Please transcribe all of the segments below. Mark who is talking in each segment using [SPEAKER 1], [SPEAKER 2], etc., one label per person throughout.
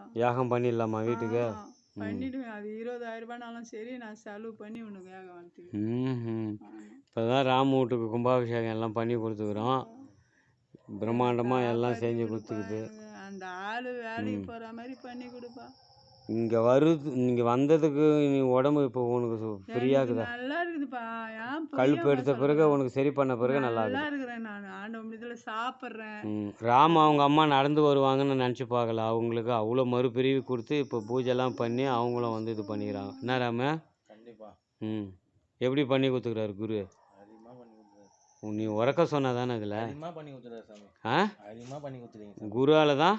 [SPEAKER 1] யாகம் பண்ணிடலாமா வீட்டுக்கு?
[SPEAKER 2] பண்ணிடுவேன். அது 20,000 ரூபாய்னாலும் சரி, நான் செலவு பண்ணி உனக்கு யாகம் வளர்த்துக்கிறேன்.
[SPEAKER 1] இப்போ தான் ராம வீட்டுக்கு கும்பாபிஷேகம் எல்லாம் பண்ணி கொடுத்துக்குறோம். பிரம்மாண்டமாக எல்லாம் செஞ்சு கொடுத்துக்குது.
[SPEAKER 2] அந்த ஆள் வேலைக்கு போகிற மாதிரி பண்ணி கொடுப்பா.
[SPEAKER 1] இங்கே இங்கே வந்ததுக்கு நீ உடம்பு இப்போ உனக்கு ஃப்ரீயாகுதா?
[SPEAKER 2] நல்லா இருக்குதுப்பா. ஏன்
[SPEAKER 1] கழுப்பு எடுத்த பிறகு உனக்கு சரி பண்ண பிறகு நல்லா
[SPEAKER 2] இருக்கிறேன். நான் ஆண்டவன் இதில் சாப்பிட்றேன்.
[SPEAKER 1] ராம அவங்க அம்மா நடந்து வருவாங்கன்னு நினச்சி பார்க்கல. அவங்களுக்கு அவ்வளோ மறுபிரிவு கொடுத்து இப்போ பூஜைலாம் பண்ணி அவங்களும் வந்து இது பண்ணிக்கிறாங்க. என்ன ராம?
[SPEAKER 3] கண்டிப்பாக.
[SPEAKER 1] எப்படி பண்ணி கொடுத்துக்கிறாரு குரு? நீ உறக்க சொன்னா தானே இதில்
[SPEAKER 3] பண்ணி கொடுத்துறாரு சாமி. அதிகமாக பண்ணி கொடுத்துருங்க.
[SPEAKER 1] குருவால தான்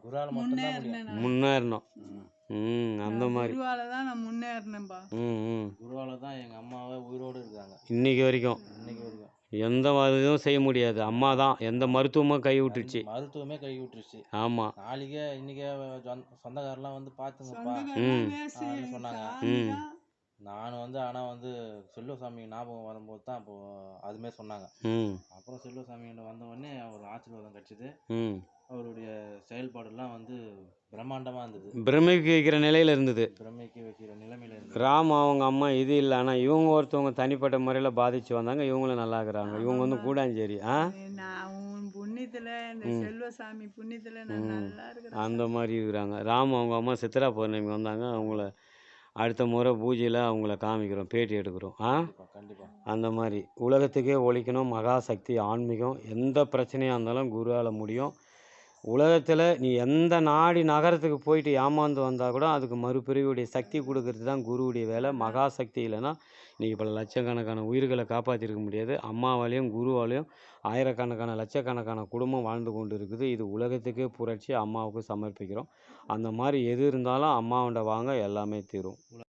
[SPEAKER 2] முன்னேறணும்.
[SPEAKER 1] அந்த மாதிரி
[SPEAKER 2] குருவால தான் நான் முன்னேறினேன்பா.
[SPEAKER 3] குருவால தான் எங்கள் அம்மாவை உயிரோடு இருக்காங்க
[SPEAKER 1] இன்னைக்கு வரைக்கும். எந்த இதுவும் செய்ய முடியாது. அம்மா தான் எந்த மருத்துவமும் கை விட்டுருச்சு.
[SPEAKER 3] மருத்துவமே கை விட்டுருச்சு.
[SPEAKER 1] ஆமாம்.
[SPEAKER 3] நாளைக்கே இன்னைக்கே சொந்தக்காரெல்லாம் வந்து பார்த்துங்கப்பா சொன்னாங்க. நான் வந்து ஆனால் வந்து செல்வசாமி ஞாபகம் வரும்போது தான் அப்போ அதுமே சொன்னாங்க. அப்புறம் செல்வசாமி வந்த உடனே அவர் ஆசீர்வாதம் கிடச்சிது. அவருடைய செயல்பாடுலாம் வந்து பிரம்மாண்டமாக இருந்தது.
[SPEAKER 1] பிரமிக்க வைக்கிற நிலையில் இருந்தது.
[SPEAKER 3] பிரமிக்க வைக்கிற நிலைமையில் இருந்தது.
[SPEAKER 1] ராம் அவங்க அம்மா இது இல்லை. ஆனால் இவங்க ஒருத்தவங்க தனிப்பட்ட முறையில் பாதிச்சு வந்தாங்க. இவங்களும் நல்லா இருக்கிறாங்க. இவங்க வந்து கூடாஞ்சேரி.
[SPEAKER 2] புண்ணியத்தில் இந்த செல்வசாமி புண்ணியத்தில் நான் நல்லா இருக்கிறேன்.
[SPEAKER 1] அந்த மாதிரி இருக்கிறாங்க. ராம் அவங்க அம்மா சித்ரா பௌர்ணமி வந்தாங்க. அவங்கள அடுத்த முறை பூஜையில் அவங்கள காமிக்கிறோம், பேட்டி எடுக்கிறோம்.
[SPEAKER 3] கண்டிப்பாக.
[SPEAKER 1] அந்த மாதிரி உலகத்துக்கே ஒழிக்கணும். மகாசக்தி ஆன்மீகம் எந்த பிரச்சனையாக இருந்தாலும் குருவால் முடியும். உலகத்தில் நீ எந்த நாடி நகரத்துக்கு போயிட்டு ஏமாந்து வந்தால் கூட அதுக்கு மறுபிரிவுடைய சக்தி கொடுக்கறது தான் குருவுடைய வேலை. மகாசக்தி இல்லைன்னா இன்றைக்கி பல லட்சக்கணக்கான உயிர்களை காப்பாற்றிருக்க முடியாது. அம்மாவாலையும் குருவாலையும் ஆயிரக்கணக்கான லட்சக்கணக்கான குடும்பம் வாழ்ந்து கொண்டு இருக்குது. இது உலகத்துக்கே புரட்சி. அம்மாவுக்கு சமர்ப்பிக்கிறோம். அந்த மாதிரி எது இருந்தாலும் அம்மாவோட வாங்க எல்லாமே தீரும்.